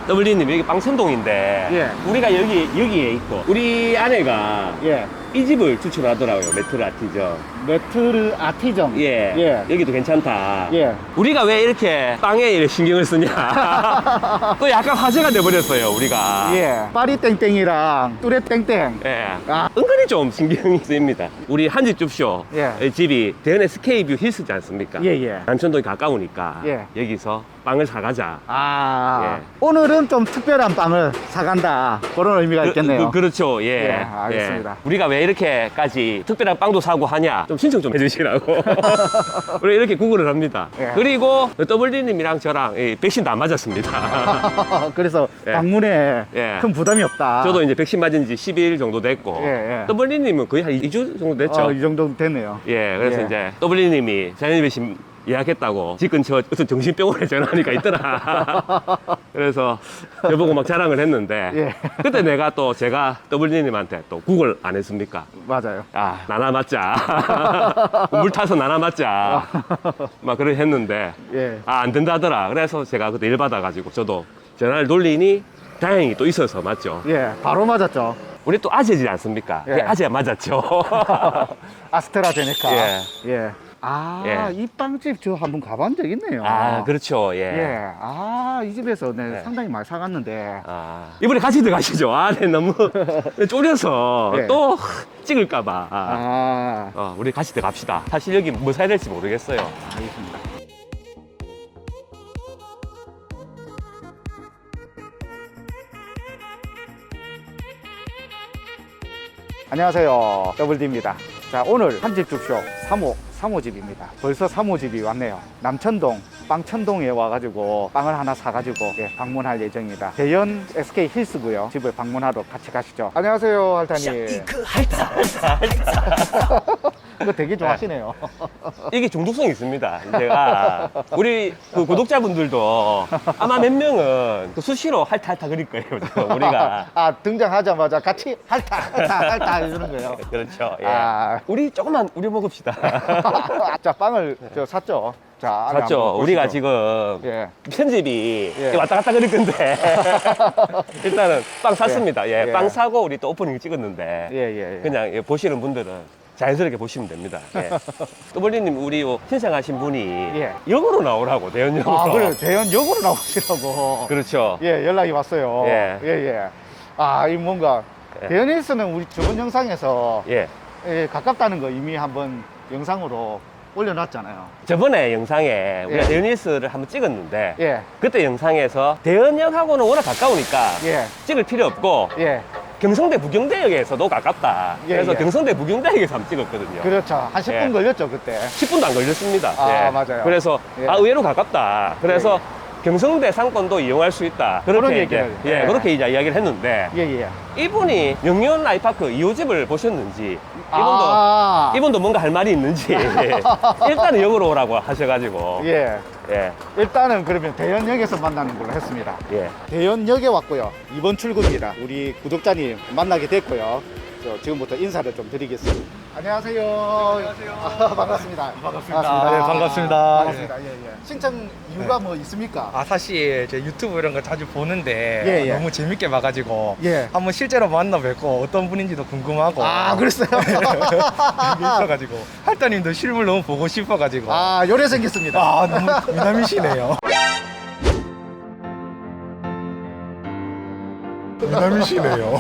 WD님 여기 빵천동인데 예. 우리가 여기에 있고 우리 아내가 예. 이 집을 추천하더라고요. 메트로 아티전. 메트르 아티정. 예. 예. 여기도 괜찮다. 예. 우리가 왜 이렇게 빵에 이렇게 신경을 쓰냐. 또 약간 화제가 돼버렸어요, 우리가. 예. 파리 땡땡이랑 뚜레 땡땡. 예. 아. 은근히 좀 신경이 쓰입니다. 우리 한집 줍쇼. 예. 집이 대연 SK뷰 힐스지 않습니까? 예, 예. 남천동이 가까우니까. 예. 여기서 빵을 사가자. 아. 예. 오늘은 좀 특별한 빵을 사간다. 그런 의미가 있겠네요. 그렇죠. 예. 예, 알겠습니다. 예. 우리가 왜 이렇게까지 특별한 빵도 사고 하냐? 좀 신청 좀 해주시라고. 우리 이렇게 구글을 합니다. 예. 그리고 WD님이랑 저랑 백신도 안 맞았습니다. 그래서 예. 방문에 예. 큰 부담이 없다. 저도 이제 백신 맞은 지 10일 정도 됐고. 예, 예. WD님은 거의 한 2주 정도 됐죠. 이 정도 됐네요. 예, 그래서 예. 이제 WD님이 자연의 백신 예약했다고 집 근처 무슨 정신병원에 전화하니까 있더라. 그래서 저보고 막 자랑을 했는데 예. 그때 내가 또 제가 WD님한테 또 구글 안 했습니까? 맞아요. 아, 나나 맞자. 물 타서 나나 맞자. 막 그렇게 했는데 예. 아, 안 된다더라. 그래서 제가 그때 일 받아가지고 저도 전화를 돌리니 다행히 또 있어서 맞죠. 예. 바로 맞았죠. 우리 또 아재지 않습니까? 예. 아재 맞았죠. 아스트라제네카. 예. 예. 아, 예. 이 빵집 저 한번 가본 적 있네요. 아, 그렇죠. 예. 아, 이 집에서 네, 예. 상당히 많이 사갔는데. 아, 이번에 같이 들어가시죠. 아, 네, 너무 쫄려서 예. 또 찍을까봐. 아, 우리 같이 들어갑시다. 사실 여기 뭐 사야 될지 모르겠어요. 알겠습니다. 안녕하세요. 더블디입니다. 자, 오늘 한집 줍쇼 3호 집입니다. 벌써 3호 집이 왔네요. 남천동 빵천동에 와가지고 빵을 하나 사가지고 방문할 예정입니다. 대연 SK 힐스고요. 집을 방문하러 같이 가시죠. 안녕하세요, 할타님. 이거 되게 좋아하시네요. 이게 중독성이 있습니다. 제가 우리 그 구독자분들도 아마 몇 명은 그 수시로 할타 그릴 거예요. 지금 우리가. 아, 등장하자마자 같이 할타 이러는 거예요. 그렇죠. 예. 아. 우리 조금만 우려 먹읍시다. 자, 빵을 저 샀죠. 자, 안에 맞죠. 한번 우리가 보시죠. 지금 예. 편집이 예. 왔다 갔다 그럴 건데 일단은 빵 샀습니다. 예. 예. 빵 사고 우리 또 오프닝 찍었는데 예. 그냥 보시는 분들은 자연스럽게 보시면 됩니다. 예. 또벌리님 우리 신청하신 분이 예. 역으로 나오라고 대연역으로. 아, 그래. 대연역으로 나오시라고. 그렇죠. 예, 연락이 왔어요. 예. 예. 아, 이 뭔가 예. 대연힐스는 우리 저번 영상에서 예. 가깝다는 거 이미 한번 영상으로 올려놨잖아요. 저번에 영상에 우리가 예. 대연힐스를 한번 찍었는데 예. 그때 영상에서 대연역하고는 워낙 가까우니까 예. 찍을 필요 없고 예. 경성대 부경대역에서도 가깝다. 예, 그래서 예. 경성대 부경대역에서 한번 찍었거든요. 그렇죠. 한 10분 예. 걸렸죠, 그때. 10분도 안 걸렸습니다. 아, 맞아요. 그래서 예. 의외로 가깝다. 그래서 경성대 상권도 이용할 수 있다. 그런 그렇게 얘기를, 이제 예. 그렇게 이제 이야기를 했는데 예. 이분이 영유원 라이파크 2호집을 보셨는지 아. 이분도 뭔가 할 말이 있는지 일단은 역으로 오라고 하셔가지고 예. 예. 일단은 그러면 대연역에서 만나는 걸로 했습니다. 예. 대연역에 왔고요. 이번 출구입니다. 우리 구독자님 만나게 됐고요. 저 지금부터 인사를 좀 드리겠습니다. 안녕하세요. 안녕하세요. 반갑습니다. 반갑습니다. 네, 반갑습니다. 반갑습니다. 예. 신청 이유가 뭐 있습니까? 아, 사실 제 유튜브 이런 거 자주 보는데 예. 너무 재밌게 봐가지고 예. 한번 실제로 만나 뵙고 어떤 분인지도 궁금하고 아, 그랬어요? 이게 있어가지고 할따님도 실물 너무 보고 싶어가지고 아, 요래 생겼습니다. 아, 너무 미남이시네요. 미남이시네요.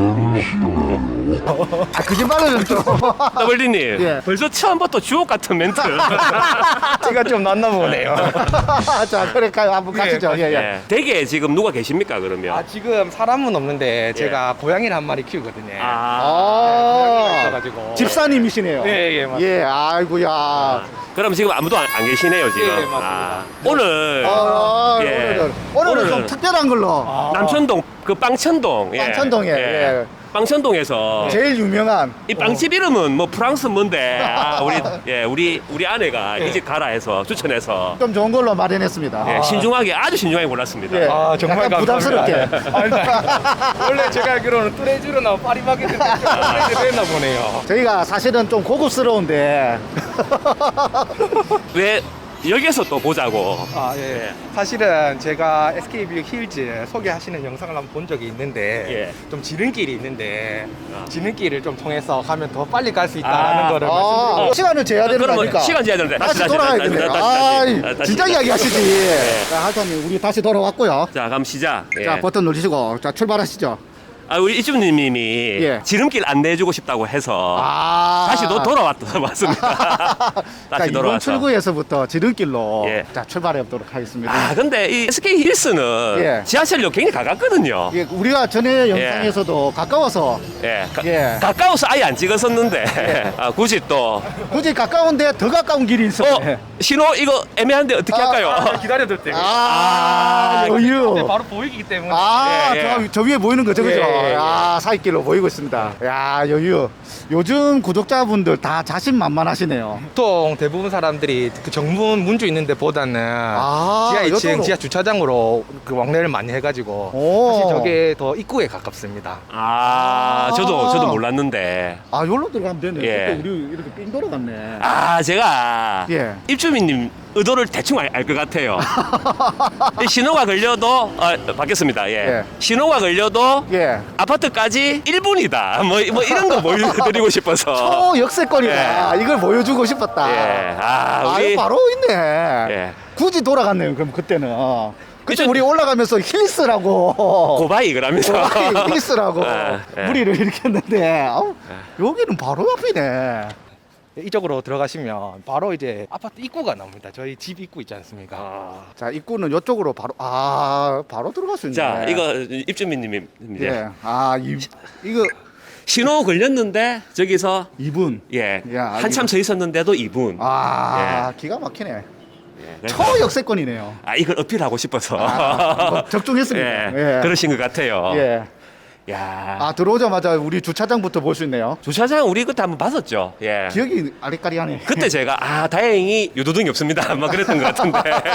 아, 거짓말은 좀. 더블리님 예. 벌써 처음부터 주옥 같은 멘트. 제가 좀 낫나 보네요. 자, 그래, 한번 가시죠. 예. 예. 댁에 지금 누가 계십니까 그러면? 아, 지금 사람은 없는데 제가 고양이를 한 마리 키우거든요. 아, 있어가지고 집사님이시네요. 예, 맞습니다. 예, 아이고야. 그럼 지금 아무도 안 계시네요 지금. 예, 맞습니다. 오늘 예. 오늘은 좀 특별한 걸로. 남천동 그 빵천동. 빵천동에, 예. 빵천동에서 제일 유명한 이 빵집 이름은 뭐 프랑스 뭔데 우리 아내가 이 집 가라 해서 추천해서 좀 좋은 걸로 마련했습니다. 예, 신중하게 아주 신중하게 골랐습니다. 예. 아, 정말 약간 감사합니다. 부담스럽게. 원래 제가 알기로는 뚜레쥬르나 파리바게뜨 했나 보네요. 저희가 사실은 좀 고급스러운데 왜 여기에서 또 보자고. 아, 예. 사실은 제가 SK뷰 힐즈 소개하시는 영상을 한번 본 적이 있는데 좀 지름길이 있는데 지름길을 좀 통해서 가면 더 빨리 갈 수 있다는 거를 말씀드리고 시간을 재야 되는 거 그러면 아닙니까? 시간 재야 되는데 다시 돌아가야겠네. 다시. 진짜 이야기 하시지. 자, 할타님, 우리 다시 돌아왔고요. 자, 그럼 시작. 자, 버튼 누르시고, 자, 출발하시죠. 우리 이주님이 예. 지름길 안내해주고 싶다고 해서 다시 돌아왔다 맞습니다. 자, 다시 이번 돌아왔어. 출구에서부터 지름길로 예. 자, 출발해 보도록 하겠습니다. 근데 이 SK 힐스는 예. 지하철역 굉장히 가깝거든요. 예, 우리가 전에 영상에서도 가까워서 예. 예. 가까워서 아예 안 찍었었는데 굳이 또 굳이 가까운데 더 가까운 길이 있어. 신호 이거 애매한데 어떻게 할까요? 기다려둘 때 여유. 바로 보이기 때문에 예. 저 위에 보이는 거죠, 그죠? 예, 예. 사이길로 보이고 있습니다. 야, 여유. 요즘 구독자분들 다 자신만만하시네요. 보통 대부분 사람들이 그 정문 문주 있는 데보다는 지하 2층 이쪽으로. 지하 주차장으로 그 왕래를 많이 해가지고 오. 사실 저게 더 입구에 가깝습니다. 저도 몰랐는데. 여기로 들어가면 되네. 예. 그때 우리 이렇게 삥 돌아갔네. 제가 예. 입주민님 의도를 대충 알 것 같아요. 이 신호가 걸려도 바뀌었습니다. 예. 예. 신호가 걸려도 예. 아파트까지 1분이다. 뭐 이런 거 보여드리고 싶어서. 역세권이다. 이걸 보여주고 싶었다. 예. 우리 이거 바로 있네. 예. 굳이 돌아갔네요. 그럼 그때는. 그때 그쵸. 우리 올라가면서 힐스라고. 고바이 그러면서 힐스라고 예. 무리를 이렇게 했는데 여기는 바로 앞이네. 이쪽으로 들어가시면 바로 이제 아파트 입구가 나옵니다. 저희 집 입구 있지 않습니까? 자, 입구는 이쪽으로 바로 바로 들어갈 수 있네. 자, 이거 입주민님입니다. 예. 이거 신호 걸렸는데 저기서 2분. 예. 야, 한참 서 있었는데도 2분. 기가 막히네. 예. 초역세권이네요. 이걸 어필하고 싶어서. 적중했습니다. 예. 그러신 것 같아요. 예. 야. 들어오자마자 우리 주차장부터 볼 수 있네요. 주차장 우리 그때 한번 봤었죠. 예. 기억이 아리까리하네. 그때 제가 다행히 유도등이 없습니다. 막 그랬던 것 같은데.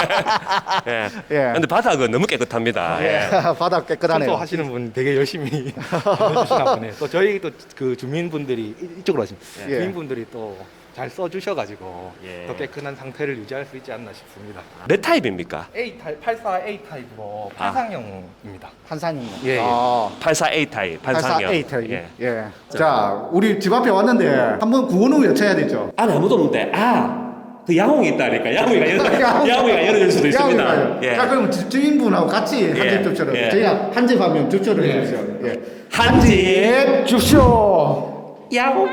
예. 예. 근데 바닥은 너무 깨끗합니다. 예. 바닥 깨끗하네요. 청소하시는 분 되게 열심히 해주시나 보네. 또 저희 또 그 주민분들이 이쪽으로 하십니다. 예. 주민분들이 또 잘 써주셔가지고 예. 더 깨끗한 상태를 유지할 수 있지 않나 싶습니다. 몇 타입입니까? A 타입, 84A 타입으로 판상형입니다. 한산이. 예, 예. 84A 타입, 반상형. 84A 타입. 예. 예. 자, 우리 집 앞에 왔는데 한번 구호는 외쳐야 되죠. 안에 아무도 없는데, 그 야옹이 있다니까. 야옹이가 열어줄 수도 있습니다. 예. 자, 그럼 주인분하고 같이 한집 줍쇼를. 예. 저희가 한집 하면 줍쇼를 해주세요. 예. 한집 줍쇼. 야옹.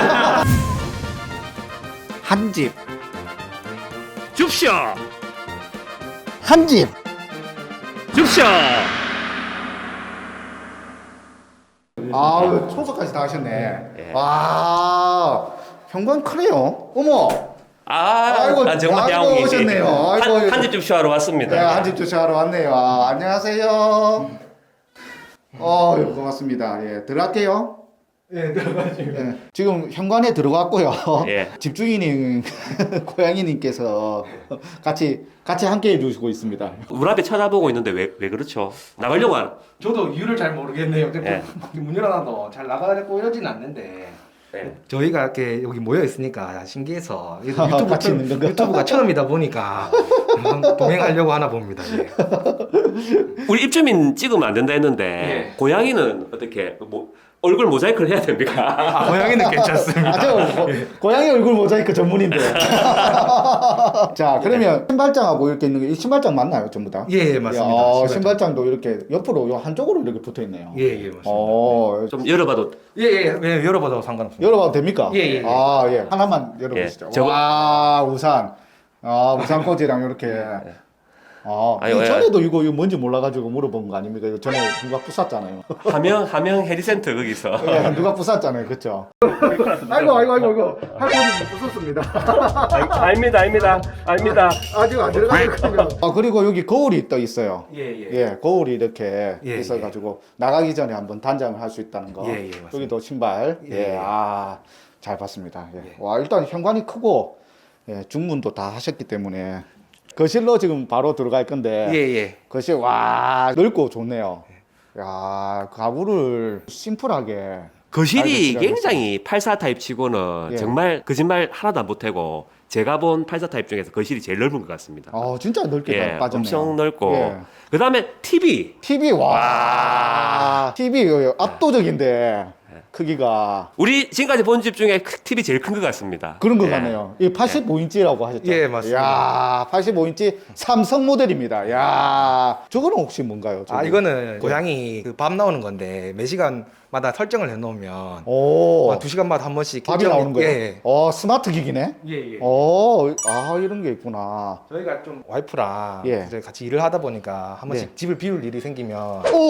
한집. 줍쇼. 한집. 줍쇼. 청소까지 다 하셨네. 예. 와, 현관 크네요. 어머. 정말 아이고, 야옹이. 오셨네요. 아이고. 한집 줍쇼하러 왔습니다. 네, 한집 주차하러 왔네요. 안녕하세요. 고맙습니다. 예, 들어갈게요. 네, 들어가시면. 예, 지금 현관에 들어갔고요. 예. 집주인인 고양이님께서 같이 함께 해주시고 있습니다. 문 앞에 쳐다보고 있는데 왜 그렇죠? 나가려고 하는. 저도 이유를 잘 모르겠네요. 예. 문 열어놔도 잘 나가고 이러진 않는데. 예. 저희가 이렇게 여기 모여 있으니까 신기해서 같이 있는 건가? 유튜브가 처음이다 보니까 동행하려고 하나 봅니다. 예. 우리 입주민 찍으면 안 된다 했는데 예. 고양이는 어떻게 얼굴 모자이크를 해야 됩니까? 고양이는 괜찮습니다. 고양이 얼굴 모자이크 전문인데. 자, 그러면 신발장하고 이렇게 있는 게 이 신발장 맞나요, 전부 다? 예, 맞습니다. 신발장도 이렇게 옆으로 요 한쪽으로 이렇게 붙어 있네요. 예, 맞습니다. 좀 열어봐도 예, 열어봐도 상관없습니다. 열어봐도 됩니까? 예. 예. 하나만 열어보시죠. 예. 와, 우산. 우산 꽂이랑 이렇게. 아유, 전에도 이거 뭔지 몰라가지고 물어본 거 아닙니까? 이거 전에 누가 부쌌잖아요. 하명 해리센터 거기서 예, 누가 부쌌잖아요. 그쵸? 아이고. 할머니 부쌌습니다. 아닙니다. 아직 안 들어가거든요. 그리고 여기 거울이 또 있어요. 예. 거울이 이렇게 예, 있어가지고 나가기 전에 한번 단장을 할 수 있다는 거. 예, 맞습니다. 여기도 신발. 예. 잘 봤습니다. 예. 예. 와, 일단 현관이 크고 중문도 다 하셨기 때문에 거실로 지금 바로 들어갈 건데 예. 거실 와 넓고 좋네요. 야, 가구를 심플하게 거실이 알겠습니다. 굉장히 84 타입 치고는 예. 정말 거짓말 하나도 안 보태고 제가 본 84 타입 중에서 거실이 제일 넓은 것 같습니다. 진짜 넓게 예, 빠졌네요. 엄청 넓고 예. 그다음에 TV. TV 와. TV 압도적인데 크기가 우리 지금까지 본 집 중에 TV 제일 큰 것 같습니다. 그런 것 예. 같네요. 이 85인치라고 하셨죠? 예, 맞습니다. 야, 85인치 삼성 모델입니다. 야, 저거는 혹시 뭔가요? 저거? 이거는 고양이 그 밥 나오는 건데 매 시간마다 설정을 해놓으면 오, 2시간마다 한 번씩 밥이 결정이- 나오는 거예요? 예. 스마트 기기네? 예. 이런 게 있구나. 저희가 좀 와이프랑 예. 이제 같이 일을 하다 보니까 한 번씩 네. 집을 비울 일이 생기면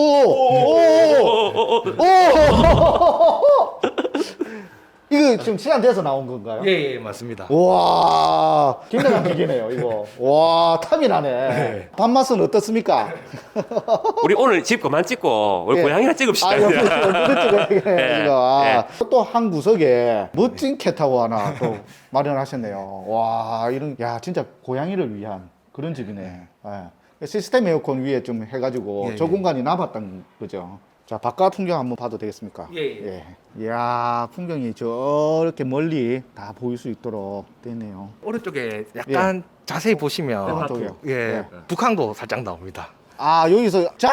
이거 지금 시간 돼서 나온 건가요? 예, 맞습니다. 와, 굉장한 기계네요, 이거. 와, 탐이 나네. 밥맛은 어떻습니까? 우리 오늘 집 그만 찍고 우리 예. 고양이나 찍읍시다. 여기 찍어야겠네, 예, 이거. 또 한 구석에 멋진 캣타워 하나 또 마련하셨네요. 와, 진짜 고양이를 위한 그런 집이네. 예. 시스템 에어컨 위에 좀 해가지고 예, 저 예. 공간이 남았던 거죠. 자, 바깥 풍경 한번 봐도 되겠습니까? 예. 이야, 풍경이 저렇게 멀리 다 보일 수 있도록 되네요. 오른쪽에 약간 자세히 보시면 오른쪽이요? 예, 예. 북한도 살짝 나옵니다. 여기서 쫙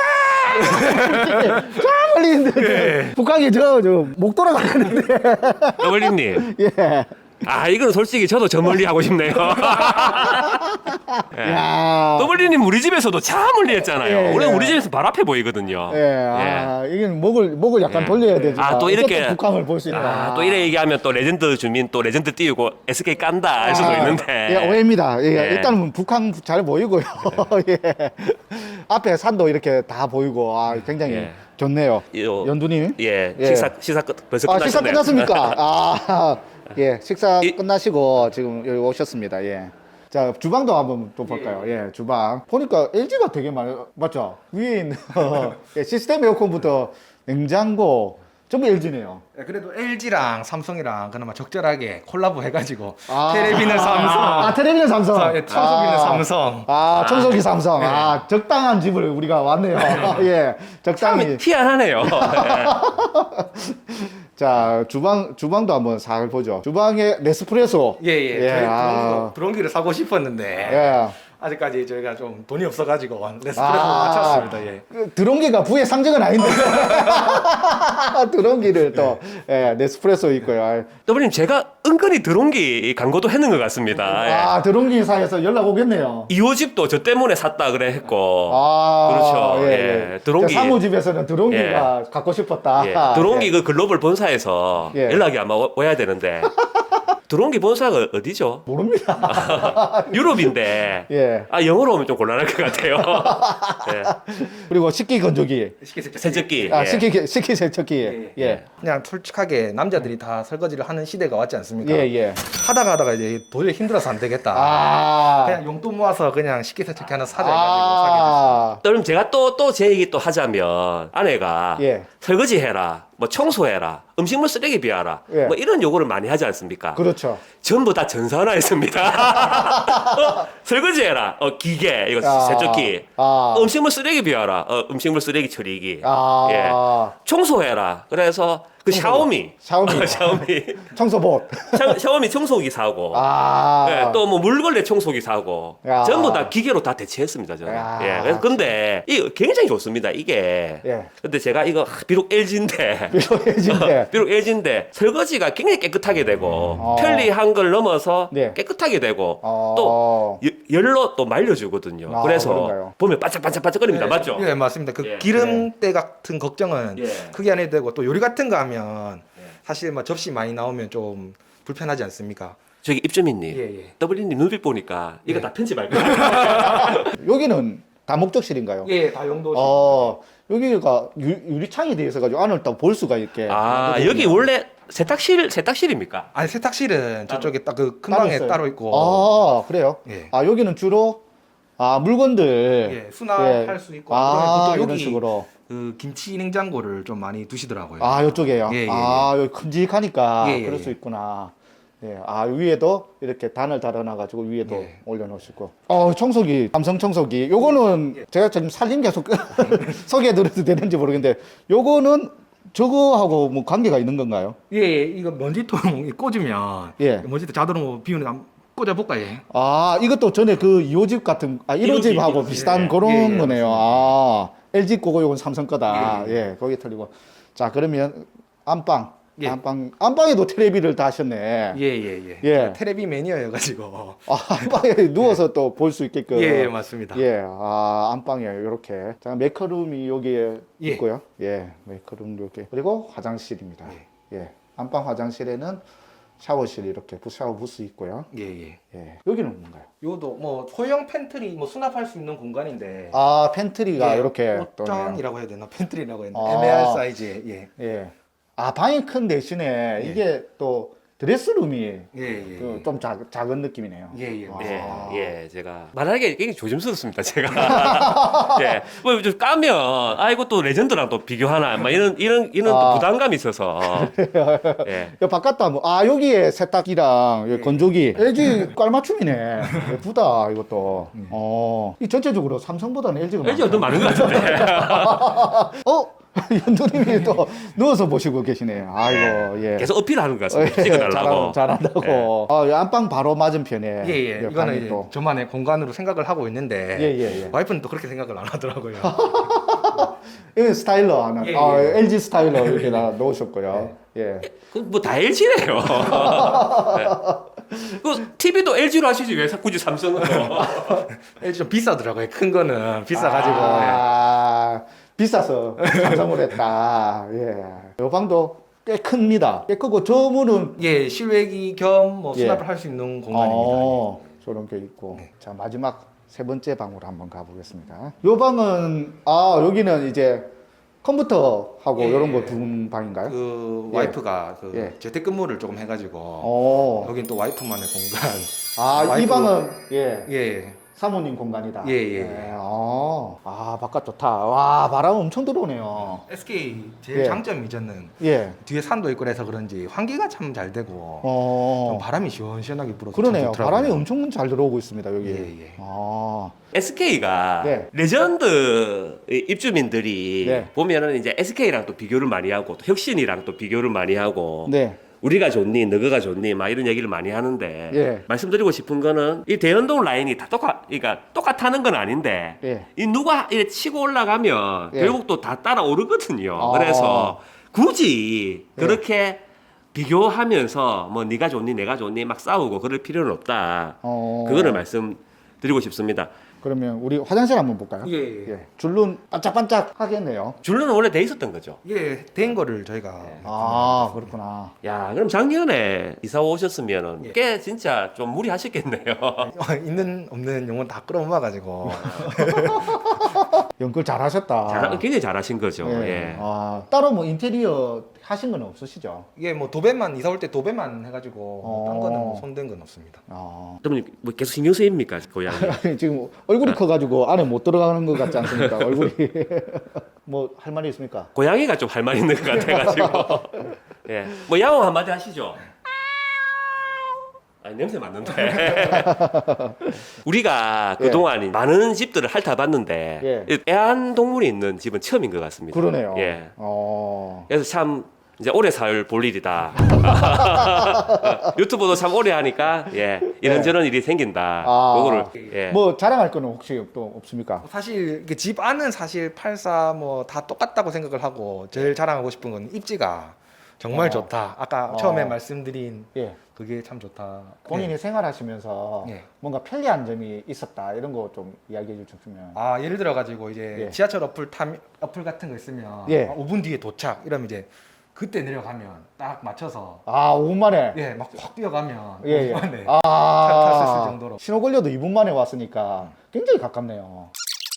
멀리 있는데 북한이 저 목 돌아가는데. 더블님. 예. 이건 솔직히 저도 저 멀리 하고 싶네요. 야. 더블님 우리 집에서도 참 멀리 했잖아요. 예, 원래 예. 우리 집에서 바로 앞에 보이거든요. 이게 목을 약간 예. 돌려야 되지. 또 이렇게 북한을 볼 수 있다. 또 이래 얘기하면 또 레전드 주민 또 레전드 띄우고 SK 깐다 할 수도 있는데. 예, 오해입니다. 예, 예. 일단은 북한 잘 보이고요. 예. 앞에 산도 이렇게 다 보이고 굉장히 예. 좋네요. 연두님. 예. 예. 식사 벌써 끝났네요. 식사 끝났습니까? 예, 식사 이- 끝나시고 지금 여기 오셨습니다. 예. 자, 주방도 한번 또 볼까요? 예, 주방. 보니까 LG가 되게 많이, 맞죠? 위에 있는 시스템 에어컨부터 냉장고, 전부 LG네요. 그래도 LG랑 삼성이랑 그나마 적절하게 콜라보 해가지고 테레비는 삼성, 텔레비전 삼성. 청소기는 삼성. 청소기 삼성. 적당한 집을 우리가 왔네요. 예, 적당히. 참 희한하네요. 자, 주방도 한번 살 보죠. 주방에 네스프레소. 예. 저희 드론기를 사고 싶었는데 예. 아직까지 저희가 좀 돈이 없어가지고 네스프레소 맞췄습니다. 예. 드론기가 부의 상징은 아닌데. 드론기를 또, 네스프레소 있고요. 더블님 제가 은근히 드론기 광고도 했는 것 같습니다. 드론기사에서 연락 오겠네요. 2호집도 저 때문에 샀다 그래 했고. 그렇죠. 예. 드론기. 사무집에서는 드론기가 갖고 싶었다. 예. 드론기 그 글로벌 본사에서 예. 연락이 아마 와야 되는데. 드론기 본사가 어디죠? 모릅니다. 유럽인데. 예. 영어로 오면 좀 곤란할 것 같아요. 예. 그리고 식기 건조기. 세척기. 예. 식기 세척기. 예. 그냥 솔직하게 남자들이 다 설거지를 하는 시대가 왔지 않습니까? 예. 하다가 이제 도저히 힘들어서 안 되겠다. 그냥 용돈 모아서 그냥 식기세척기 하나 사자 해가지고 사게 됐습니다. 그럼 제가 또 제 얘기 또 하자면 아내가 예. 설거지 해라, 뭐 청소해라, 음식물 쓰레기 비워라, 예. 뭐 이런 요구를 많이 하지 않습니까? 그렇죠. 전부 다 전산화했습니다. 설거지해라, 기계 이거 세척기, 음식물 쓰레기 비워라, 음식물 쓰레기 처리기, 예. 청소해라. 그래서 그 샤오미 청소봇. 샤오미 청소기 사고, 예, 또 뭐 물걸레 청소기 사고, 전부 다 기계로 다 대체했습니다 저는. 예, 그래서 근데 이거 굉장히 좋습니다 이게. 예. 근데 제가 이거 비록 LG인데 비록 LG인데 설거지가 굉장히 깨끗하게 되고 편리한 걸 넘어서 네. 깨끗하게 되고 또 열로 또 말려주거든요. 그래서 그런가요? 보면 반짝반짝거립니다. 맞죠? 예, 맞습니다. 그 예. 기름때 같은 걱정은 예. 크게 안 해도 되고 또 요리 같은 거 하면 사실 뭐 접시 많이 나오면 좀 불편하지 않습니까? 저기 입주민님, 예. 더블리님 눈빛 보니까 이거 예. 다 편집할 거예요. 여기는 다목적실인가요? 예, 다 용도. 여기가 유리창이 되어 있어가지고 안을 딱 볼 수가 있게. 여기 원래 세탁실입니까? 아니 세탁실은 저쪽에 딱 그 큰 방에 있어요? 따로 있고. 그래요? 예. 여기는 주로 물건들. 예, 수납할 수 있고. 또 이런 여기 식으로. 그 김치 냉장고를 좀 많이 두시더라고요. 이쪽에요? 예. 여기 큼직하니까 예. 그럴 수 있구나. 예. 위에도 이렇게 단을 달아놔가지고 위에도 예. 올려놓으시고. 청소기, 삼성 청소기. 요거는 제가 지금 살림 계속 소개해드려도 되는지 모르겠는데, 요거는 저거하고 뭐 관계가 있는 건가요? 예, 이거 먼지통 꽂으면 예. 먼지통 자동으로 비우는 꽂아볼까요? 아, 이것도 전에 그 2호집 같은, 1호집하고 1호집. 비슷한 예. 그런 예, 예, 거네요. 맞습니다. 아, LG 거고 요건 삼성 거다. 예, 예, 거기 틀리고. 자, 그러면 안방. 예. 안방에도 텔레비를 다 하셨네. 예예예. 예. 테레비 매니아여가지고. 아, 안방에 누워서 또 볼 수 있게끔. 예, 맞습니다. 예, 안방에 이렇게. 자, 메이크업룸이 여기에 예. 있고요. 예, 메이크업룸 이렇게. 그리고 화장실입니다. 예. 안방 화장실에는 샤워실 이렇게 샤워 부스 있고요. 예예. 예. 여기는 뭔가요? 요도 뭐 소형 팬트리 뭐 수납할 수 있는 공간인데. 아, 팬트리가 예, 이렇게 또 네요. 옷장이라고 해야 되나? 팬트리라고 해야 되나? 아. 애매할 사이즈에. 예. 예. 아, 방이 큰 대신에 예. 이게 또 드레스룸이 예예. 좀 작은 느낌이네요. 예예. 아. 예, 제가 말하기가 굉장히 조심스럽습니다, 제가. 예, 뭐 좀 까면 아이고 또 레전드랑 또 비교하나, 막 이런 또 부담감이 있어서. 예. 야, 바깥도 한번, 여기에 세탁기랑 여기 건조기. LG 깔맞춤이네. 예쁘다, 이것도. 이 전체적으로 삼성보다는 LG가 LG가 더 많은 것 같은데. 연두님이 또 누워서 보시고 계시네요. 아이고, 예. 계속 어필하는 것 같습니다. 찍어달라고. 잘한다고. 안방 바로 맞은편에. 예예. 예, 이거는 방이 이제 또. 저만의 공간으로 생각을 하고 있는데. 예. 와이프는 또 그렇게 생각을 안 하더라고요. 여기 스타일러 하나. 예, 예. LG 스타일러 이렇게 다 놓으셨고요. 예. 뭐다 LG네요. 그 TV도 LG로 하시지 왜 굳이 삼성으로? LG 좀 비싸더라고요. 큰 거는 비싸가지고. 비싸서 삼성으로 했다. 예. 요 방도 꽤 큽니다. 꽤 크고 저 문은 예, 실외기 겸 뭐 예. 수납을 할 수 있는 공간입니다. 저런 게 있고. 네. 자, 마지막 세 번째 방으로 한번 가보겠습니다. 요 방은 여기는 이제 컴퓨터하고 예. 이런 거 두는 방인가요? 그 예. 와이프가 그 예. 재택근무를 조금 해가지고 여긴 또 와이프만의 공간. 이 와이프- 방은 예. 예. 사모님 공간이다. 예. 바깥 좋다. 와, 바람 엄청 들어오네요. SK 제일 예. 장점이 저는 예. 뒤에 산도 있고 그래서 그런지 환기가 참 잘 되고 좀 바람이 시원시원하게 불어서 그러네요. 참 좋더라고요. 바람이 엄청 잘 들어오고 있습니다, 여기. 예. SK가 네. 레전드 입주민들이 네. 보면은 이제 SK랑 또 비교를 많이 하고 또 혁신이랑 또 비교를 많이 하고 네. 우리가 좋니 너가 좋니 막 이런 얘기를 많이 하는데 예. 말씀드리고 싶은 거는 이 대연동 라인이 다 그러니까 똑같다는 건 아닌데 예. 이 누가 이렇게 치고 올라가면 예. 결국 또 다 따라오르거든요. 아. 그래서 굳이 예. 그렇게 비교하면서 뭐 네가 좋니 내가 좋니 막 싸우고 그럴 필요는 없다. 그거를 말씀드리고 싶습니다. 그러면 우리 화장실 한번 볼까요? 예. 줄눈 반짝반짝 하겠네요. 줄로는 원래 돼 있었던 거죠. 예, 된 거를 저희가 그렇구나. 야, 그럼 작년에 이사 오셨으면은 예. 꽤 진짜 좀 무리하셨겠네요. 있는 없는 용어 다 끌어모아가지고 연결 잘하셨다. 굉장히 잘하신 거죠. 예. 따로 뭐 인테리어 하신 건 없으시죠? 이게 뭐 도배만 이사 올 때 도배만 해가지고 뭐딴 거는 뭐 손댄 건 없습니다. 그러면 뭐 계속 신경 쓰입니까, 고양이? 지금 얼굴이 커가지고 안에 못 들어가는 것 같지 않습니까? 얼굴이. 뭐 할 말이 있습니까? 고양이가 좀 할 말 있는 것 같아가지고. 예. 뭐 야옹 한마디 하시죠. 냄새 맡는데. 우리가 그동안 많은 집들을 핥아봤는데 애완동물이 있는 집은 처음인 것 같습니다. 그러네요. 예. 그래서 참 이제 오래 살 볼 일이다. 유튜브도 참 오래 하니까 이런저런 일이 생긴다. 그거를 뭐 자랑할 거는 혹시 또 없습니까? 사실 이게 집 안은 사실 84 뭐 다 똑같다고 생각을 하고 제일 자랑하고 싶은 건 입지가 정말 좋다. 아까 처음에 말씀드린 그게 참 좋다. 본인이 생활하시면서 뭔가 편리한 점이 있었다 이런 거 좀 이야기해 주시면. 예를 들어 가지고 이제 지하철 어플 같은 거 있으면 5분 뒤에 도착 이러면 이제 그때 내려가면 딱 맞춰서 5분 만에 막 확 뛰어가면 5분 만에 탈 수 있을 정도로 신호 걸려도 2분 만에 왔으니까 굉장히 가깝네요.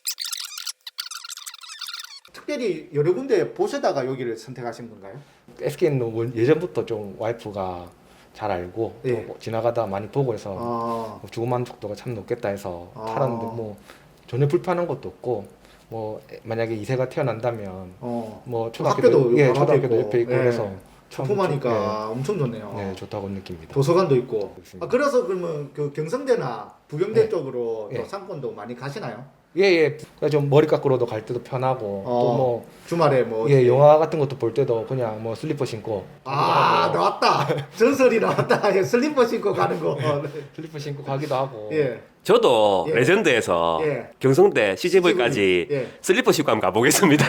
특별히 여러 군데 보시다가 여기를 선택하신 건가요? SK는 예전부터 좀 와이프가 잘 알고 또 지나가다 많이 보고 해서 주거 만족도가 참 높겠다 해서 팔았는데 뭐 전혀 불편한 것도 없고 뭐 만약에 2세가 태어난다면 뭐 초등학교도 초등학교도 옆에 있고 그래서 초품하니까 엄청 좋네요. 네, 좋다고 느낍니다. 도서관도 있고. 그렇습니다. 그래서 그러면 그 경성대나 부경대 쪽으로 또 상권도 많이 가시나요? 예예. 좀 머리 깎으러도 갈 때도 편하고 또 주말에 뭐 뭐 예 영화 같은 것도 볼 때도 그냥 뭐 슬리퍼 신고 나왔다. 전설이 나왔다. 예, 슬리퍼 신고 가는 거. 슬리퍼 신고 가기도 하고. 예. 저도 예. 레전드에서 예. 경성대 CJV까지 예. 슬리퍼 신고 한번 가보겠습니다.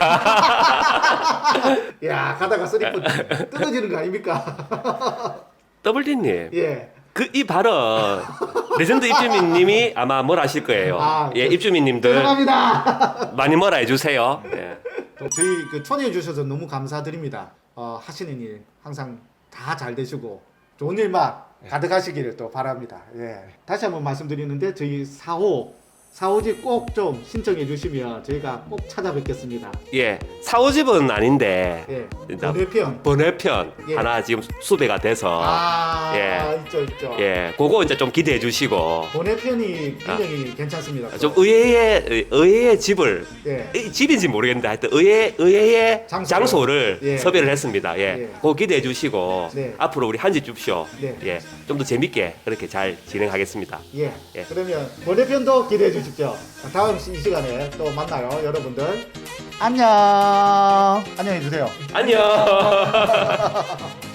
야, 가다가 슬리퍼 뜯어지는 거 아닙니까? 더블디님, 예. 이 발언 레전드 입주민님이 아마 뭘 하실 거예요. 예, 입주민님들 죄송합니다. 많이 뭐라 해주세요. 예. 저희 그 초대해 주셔서 너무 감사드립니다. 하시는 일 항상 다 잘 되시고 좋은 일만 가득하시기를 또 바랍니다. 예. 다시 한번 말씀드리는데 저희 4호집 꼭 좀 신청해 주시면 저희가 꼭 찾아뵙겠습니다. 예, 4호집은 아닌데 예. 일단 번외편. 번외편 예. 하나 지금 수배가 돼서 예. 있죠. 예, 그거 이제 좀 기대해 주시고 번외편이 굉장히 괜찮습니다. 좀 의외의 집을 예. 집인지 모르겠는데 하여튼 의외의 장소를 예. 섭외를 했습니다. 예, 예. 그거 기대해 주시고 네. 앞으로 우리 한집 줍쇼 네. 예, 좀 더 재밌게 그렇게 잘 진행하겠습니다. 예. 예. 그러면 번외편도 기대해 주십시오. 다음 이 시간에 또 만나요, 여러분들. 안녕. 안녕히 주세요. 안녕.